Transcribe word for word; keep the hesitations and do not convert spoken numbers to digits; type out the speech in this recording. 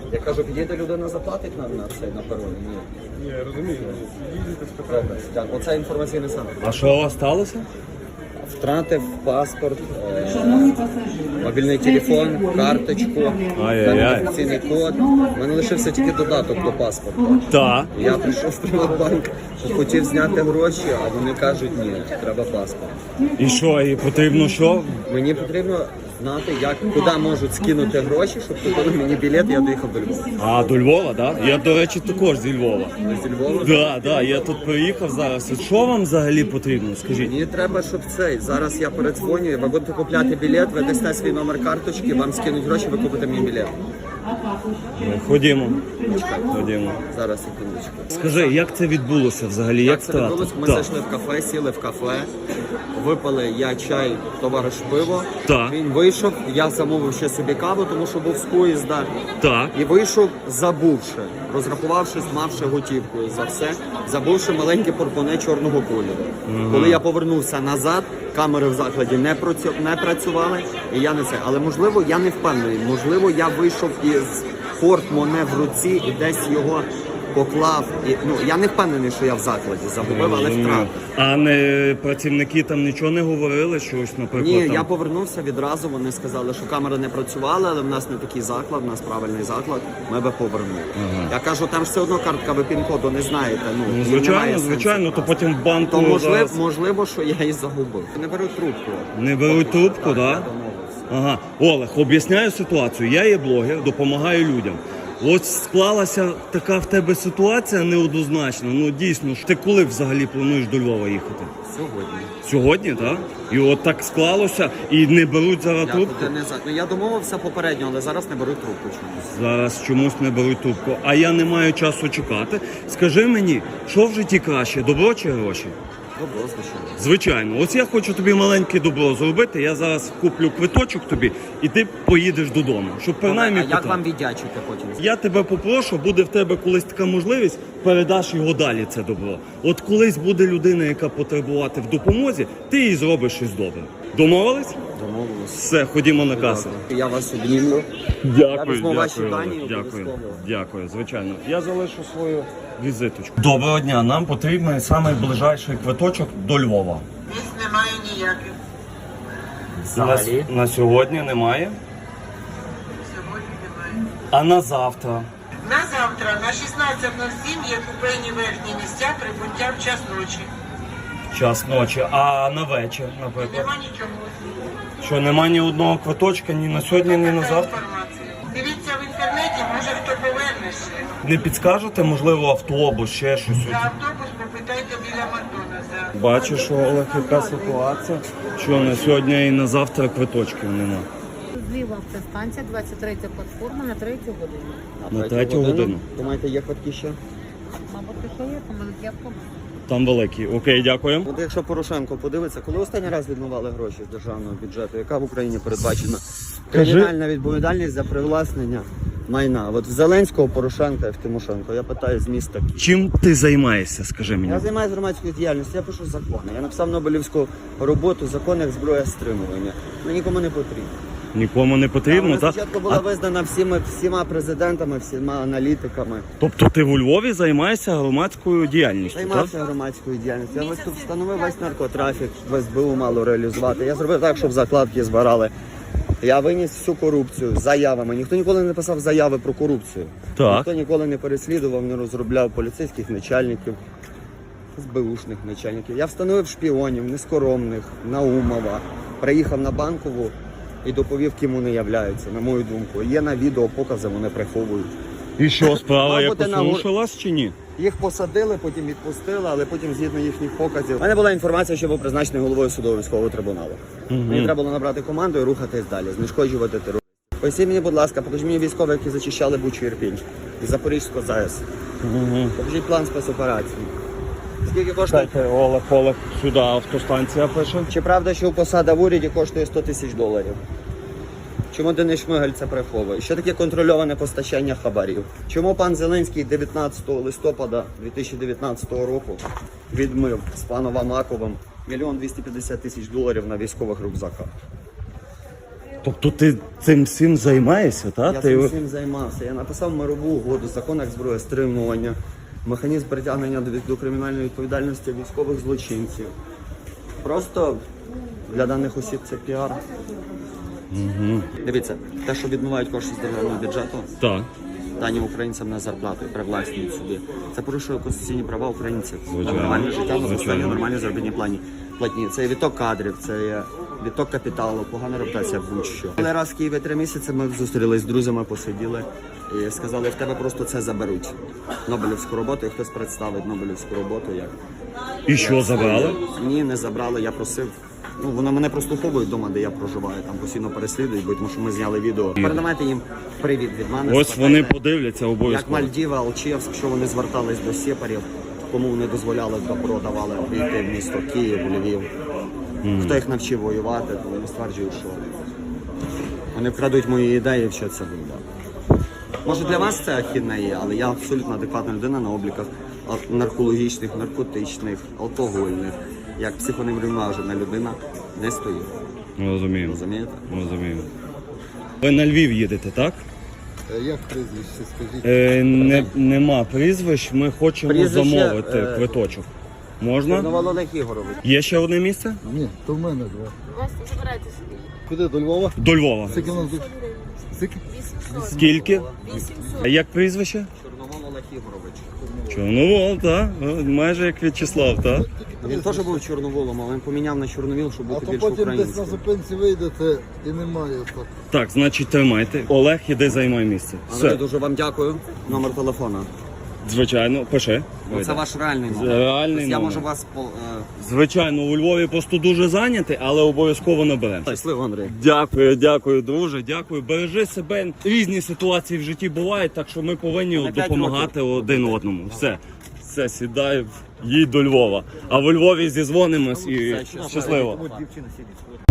Я кажу, підійде людина, заплатить нам на цей на пероні? Ні. Ні, я розумію. Їдете, спитайте. Добре, дякую. Оце інформаційний центр. А що у вас сталося? Втратив паспорт, е, мобільний телефон, карточку, Ай-яй-яй. ідентифікаційний код. У мене лишився тільки додаток до паспорта. Так. Я прийшов в Приватбанк, хотів зняти гроші, а вони кажуть, ні, треба паспорт. І що, і потрібно що? Мені потрібно знати, як, куди можуть скинути гроші, щоб купили мені білет, і я доїхав до Львова. А, до Львова, так? Да? Я, до речі, також зі Львова. Ви зі Львова? Так, так, я тут приїхав зараз. От що вам взагалі потрібно, скажіть? Мені треба, щоб цей. Зараз я передзвоню, ви будете купляти білет, ви дасте свій номер карточки, вам скинуть гроші, ви купите мені білет. Ну, ходімо. Ходімо. Зараз, секундочку. Скажи, як це відбулося взагалі? Як Як це відбулося? Ми Так. зайшли в кафе, сіли в кафе, випили я чай, товариш пиво. Так. Він вийшов, я замовив ще собі каву, тому що був з поїзда. Так. І вийшов, забувши, розрахувавшись, мавши готівкою за все, забувши маленьке порпоне чорного кольору. Коли я повернувся назад, камери в закладі не, працю... не працювали, і я не це. Але можливо, я не впевнений. Можливо, я вийшов із портмоне в руці і десь його поклав. І, ну, я не впевнений, що я в закладі загубив, але втратив. А не працівники там нічого не говорили, щось, наприклад? Ні, там... я повернувся відразу, вони сказали, що камери не працювали, але в нас не такий заклад, в нас правильний заклад, ми би повернули. Ага. Я кажу, там ж все одно картка, ви пін-коду не знаєте. Ну, Ну, і немає звичайно, сенсу звичайно, то вкрасти. потім в банку То можливо, зараз... можливо, що я її загубив. Не беру трубку. Не беруть трубку, так? Я Да? домовився. Ага. Олег, об'ясняю ситуацію. Я є блогер, допомагаю людям. От склалася така в тебе ситуація неоднозначна. Ну дійсно, ти коли взагалі плануєш до Львова їхати? Сьогодні. Сьогодні, так? І от так склалося, і не беруть зараз Я, трубку? туди не за... ну, я домовився попередньо, але зараз не беру трубку чомусь. Зараз чомусь не беруть трубку. А я не маю часу чекати. Скажи мені, що в житті краще, добро чи гроші? Добро, звичайно. Звичайно, ось я хочу тобі маленьке добро зробити. Я зараз куплю квиточок тобі, і ти поїдеш додому. Щоб принаймні А як питати. вам віддячити потім? Я тебе попрошу, буде в тебе колись така можливість, передаш його далі це добро. От колись буде людина, яка потребувати в допомозі, ти їй зробиш щось добре. Домовились? Домовилися. Все, ходімо на касу. Я вас обнімлю. Дякую, Я візьму ваші дякую, дані, Олег, дякую, обов'язково. дякую, звичайно. Я залишу свою візиточку. Доброго дня, нам потрібен найближчий квиточок до Львова. Місць немає ніяких. На, на сьогодні немає, Сьогодні немає. а на завтра. На завтра на шістнадцять нуль сім є купейні верхні місця прибуття в час ночі. Час ночі, а на вечір, наприклад. Нема нічого. Що нема ні одного квиточка ні на сьогодні, ні на Така завтра. інформація. Дивіться в інтернеті, може хто поверне ще. Не підскажете, можливо, автобус, ще щось? За автобус попитайте біля Макдональдса. Бачиш, Олег, яка ситуація, що на сьогодні і на завтра квиточків нема. Зліва автостанція, двадцять третя платформа на третю годину. На третю годину. Думаєте, є квитки ще? Мабуть, що є, тому є автобус. Там великий. Окей, дякую. От якщо Порошенко подивиться, коли останній раз відмивали гроші з державного бюджету, яка в Україні передбачена кримінальна відповідальність за привласнення майна? От в Зеленського, Порошенка і в Тимошенко. Я питаю з міста. Чим ти займаєшся, скажи мені? Я займаюся громадською діяльністю, я пишу закони. Я написав Нобелівську роботу «Закон як зброя стримування». Ну нікому не потрібно. Нікому не потрібно, Вона так? спочатку була А, визнана всіма, всіма президентами, всіма аналітиками. тобто ти у Львові займаєшся громадською діяльністю, так? Займався громадською діяльністю. Я ось тут встановив весь наркотрафік, в ес бе у мало реалізувати. Я зробив так, щоб закладки збирали. Я виніс всю корупцію з заявами. Ніхто ніколи не писав заяви про корупцію. Так. Ніхто ніколи не переслідував, не розробляв поліцейських начальників, ес бе ушних начальників. Я встановив шпіонів, нескоромних, Наумова. Приїхав на Банкову і доповів, ким вони являються, на мою думку. Є на відео покази, вони приховують. І що, справа Мав якось бути на- рушилась чи ні? Їх посадили, потім відпустили, але потім згідно їхніх показів. У мене була інформація, що був призначений головою судового військового трибуналу. Мені треба було набрати команду і рухатись далі, знешкоджувати терористів. Поясніть мені, будь ласка, покажіть мені військових, які зачищали Бучу і Ірпінь із Запорізького ЗАЕС. Покажіть план спецоперації. Скільки коштує? Дайте, Олег, Олег, сюди автостанція пише. Чи правда, що посада в уряді коштує сто тисяч доларів? Чому Денис Шмигаль це приховує? Що таке контрольоване постачання хабарів? Чому пан Зеленський дев'ятнадцятого листопада дві тисячі дев'ятнадцятого року відмив з паном Амаковим мільйон двісті п'ятдесят тисяч доларів на військових рюкзаках? Тобто ти цим всім займаєшся, так? Я Ти... цим всім займався. Я написав мирову угоду, закон як зброя, стримування, механізм притягнення до, до кримінальної відповідальності військових злочинців. Просто для даних осіб це піар. Угу. Дивіться, те, що відмивають кошти з державного бюджету, Так. дані українцям на зарплату і привласнюють собі. Це порушує конституційні права українців. Звичайно. На нормальне життя, на Звичайно. постійні нормальні заробітні плані. Платні. Це є відток кадрів, це є відток капіталу, погана репутація будь-що. Коли раз в Києві три місяці ми зустрілись з друзями, посиділи і сказали, в тебе просто це заберуть. Нобелівську роботу, і хтось представить Нобелівську роботу. Як І що, забрали? Ні, не забрали, я просив. Ну, вони мене прослуховують вдома, де я проживаю, там постійно переслідують, бо тому що ми зняли відео. Передавайте їм привіт від мене. Ось спитайте, вони подивляться як обов'язково. Мальдіви, Алчевськ, що вони звертались до сепарів, кому вони дозволяли добро давали прийти в місто Київ, Львів. Хто їх навчив воювати, то вони стверджують, що вони вкрадуть мої ідеї і вчаться воювати. Може для вас це ахідне є, але я абсолютно адекватна людина на обліках а- наркологічних, наркотичних, алкогольних. Як психоневрівнажена людина не стою. Розумію. Розумієте? Розумію. Ви на Львів їдете, так? Е, Як прізвище, скажіть? Е, не, нема прізвищ, ми хочемо Прізвище, замовити е, квиточок. Можна? Чорновол Олег Ігорович. Є ще одне місце? Ні, то в мене два. Вас забирайте собі. Куди, до Львова? До Львова. Скільки у нас тут? Скільки? Скільки? А як прізвище? Чорновол Олег Ігорович. Чорновол, так. Майже як В'ячеслав, так. Він теж був чорноволом, але він поміняв на чорновіл, щоб А бути то більш потім десь на українським. зупинці вийдете і немає так. Так, значить тримайте. Олег, іди займай місце. Але Все. дуже вам дякую. Номер телефона. Звичайно, пиши. Ну, це ваш реальний номер. Реальний Тобто я номер. можу вас по- е, Звичайно, у Львові просто дуже зайнятий, але обов'язково наберемо. щасливо, Андрій. Дякую, дякую, друже, дякую. Бережи себе. Різні ситуації в житті бувають, так що ми повинні На п'ять допомагати один одному. Все, все, сідай, їдь до Львова. А в Львові зізвонимось і Все, щасливо. щасливо. От дівчина сидить.